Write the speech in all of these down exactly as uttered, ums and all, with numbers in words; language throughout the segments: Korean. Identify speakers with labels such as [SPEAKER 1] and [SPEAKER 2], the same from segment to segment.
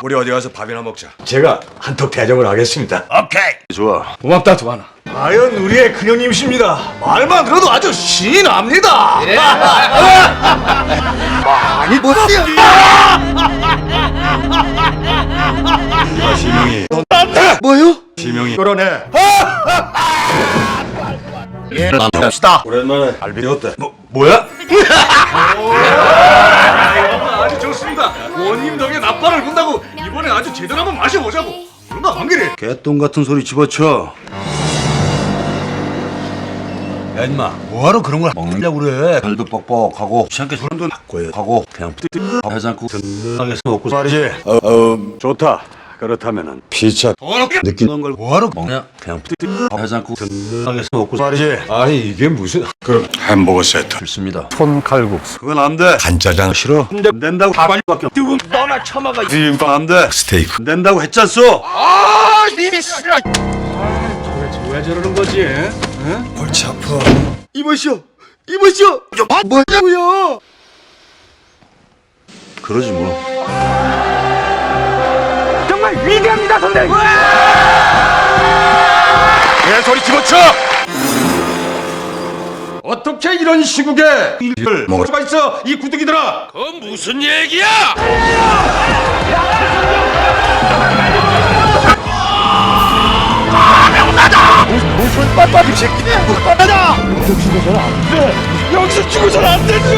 [SPEAKER 1] 우리 어디 가서 밥이나 먹자.
[SPEAKER 2] 제가 한턱 대접을 하겠습니다.
[SPEAKER 1] 오케이. 좋아.
[SPEAKER 2] 고맙다 두하나. 과연 우리의 큰형님이십니다. 말만 들어도 아주 신이 납니다. 예. 많이 보세요.
[SPEAKER 1] 이봐 시명이.
[SPEAKER 2] 뭐요?
[SPEAKER 1] 시명이.
[SPEAKER 2] 그러네.
[SPEAKER 1] 예. 갑시다. 오랜만에 알비었대.
[SPEAKER 2] 뭐 뭐야? 아주 좋습니다. 원님 덕에 나팔을 분다고 이번에 아주 제대로 한번 마셔보자고. 얼마 안 그래?
[SPEAKER 1] 개똥 같은 소리 집어쳐.
[SPEAKER 2] 야 임마 뭐하러 그런 걸 먹느냐고 그래.
[SPEAKER 1] 발도 뻑뻑하고 시한테 술한도 하고 그냥 하지 않고 든든하게 먹고 말이지. 어, 어 좋다. 그렇다면은 피차 느끼는 걸 뭐하러 먹냐? 그냥 하지 않고 든든하게 먹고 말이지.
[SPEAKER 2] 아니 이게 무슨?
[SPEAKER 1] 그럼 햄버거 세트 좋습니다. 손칼국수 그건 안 돼. 간짜장 싫어? 안 된다고 가발밖에 뜨금 너나 처먹어. 비빔밥 안 돼. 스테이크 안 된다고 했잖소.
[SPEAKER 2] 아 님이 싫어. 왜 저러는 거지? 응?
[SPEAKER 1] 골치 아파.
[SPEAKER 2] 이보시오, 이보시오. 뭐냐고요?
[SPEAKER 1] 그러지 뭐.
[SPEAKER 2] 정말 위대합니다, 선생님. 내 소리 집어쳐. 어떻게 이런 시국에 일을 먹을 수가 있어, 이 구두기들아?
[SPEAKER 3] 그건 무슨 얘기야?
[SPEAKER 2] 무슨 빳빳이 새끼네. 나다. 여기서 죽어서는 안 돼. 여기서 죽어서는 안 되지.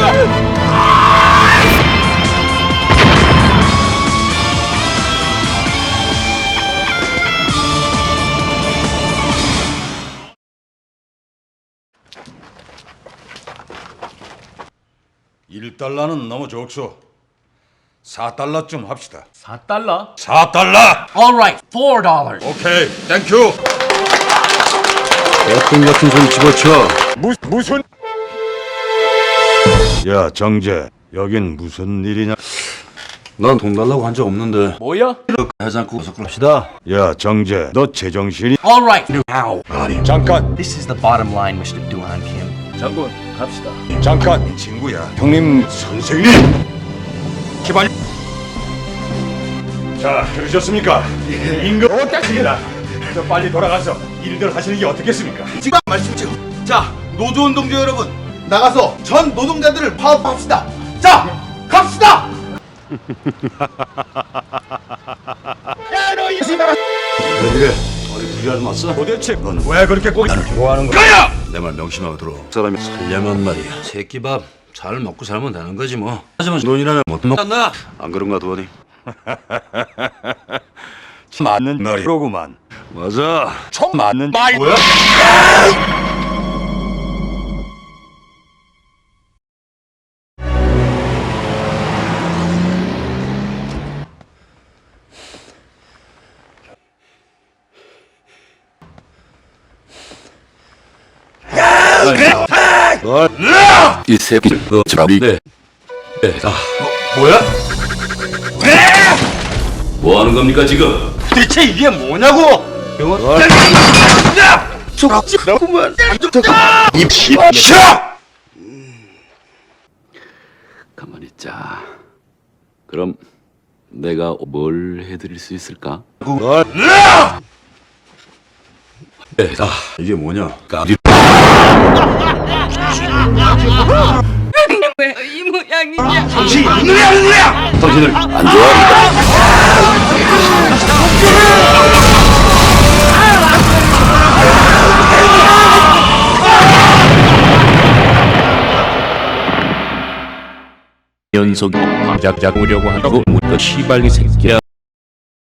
[SPEAKER 2] 일 달러는 너무 적소. 사 달러쯤 합시다.
[SPEAKER 4] 사 달러?
[SPEAKER 2] 사 달러.
[SPEAKER 4] Alright, four dollars.
[SPEAKER 2] 오케이, 땡큐.
[SPEAKER 1] 개똥 같은 소리 집어쳐.
[SPEAKER 2] 무, 무슨?
[SPEAKER 1] 야 정재 여긴 무슨 일이냐? 난 돈 달라고 한 적 없는데.
[SPEAKER 4] 뭐야?
[SPEAKER 1] 하지 않고 어서 그럽시다. 야 정재 너 제정신이?
[SPEAKER 4] Alright.
[SPEAKER 1] 아우 아니
[SPEAKER 2] 잠깐,
[SPEAKER 4] This is the bottom line, 미스터 Duhan Kim.
[SPEAKER 2] 장군, 갑시다. 잠깐, 친구야. 형님, 선생님. 기반. 자, 들으셨습니까? 임금 어떻습니다. 저 빨리 돌아가서 일들 하시는 게 어떻겠습니까?
[SPEAKER 5] 지금 말씀이죠. 자, 노조운동자 여러분, 나가서 전 노동자들을 파업합시다. 자, 갑시다.
[SPEAKER 1] 왜 이래? 어디 불리하지 맞어?
[SPEAKER 2] 도대체 넌 왜 그렇게 꼭 나를 좋아하는 거야?
[SPEAKER 1] 가야! 내 말 명심하고 들어. 사람이 살려면 말이야. 새끼밥 잘 먹고 살면 되는 거지 뭐. 하지만 돈이라면 못 먹나? 안 그런가 도원이?
[SPEAKER 2] 맞는 말이로구만.
[SPEAKER 1] 맞아.
[SPEAKER 2] 총 맞는 말. 뭐야?
[SPEAKER 1] 널, 이 새끼를 너 잡리네. 아,
[SPEAKER 2] 뭐야?
[SPEAKER 1] 뭐 하는 겁니까 지금?
[SPEAKER 2] 대체 이게 뭐냐고?
[SPEAKER 1] 널,
[SPEAKER 2] 저지구만.
[SPEAKER 1] 이 씨발! 가만히 있자. 그럼 내가 뭘 해드릴 수 있을까? 널, 아, 이게 뭐냐? 까비.
[SPEAKER 6] 왜 이 모양이냐?
[SPEAKER 2] 당신 이 누구야, 누구야?
[SPEAKER 1] 당신을 안 좋아합니다.
[SPEAKER 3] 연속 자작 오려고 하고 묻어 시발이 새끼야.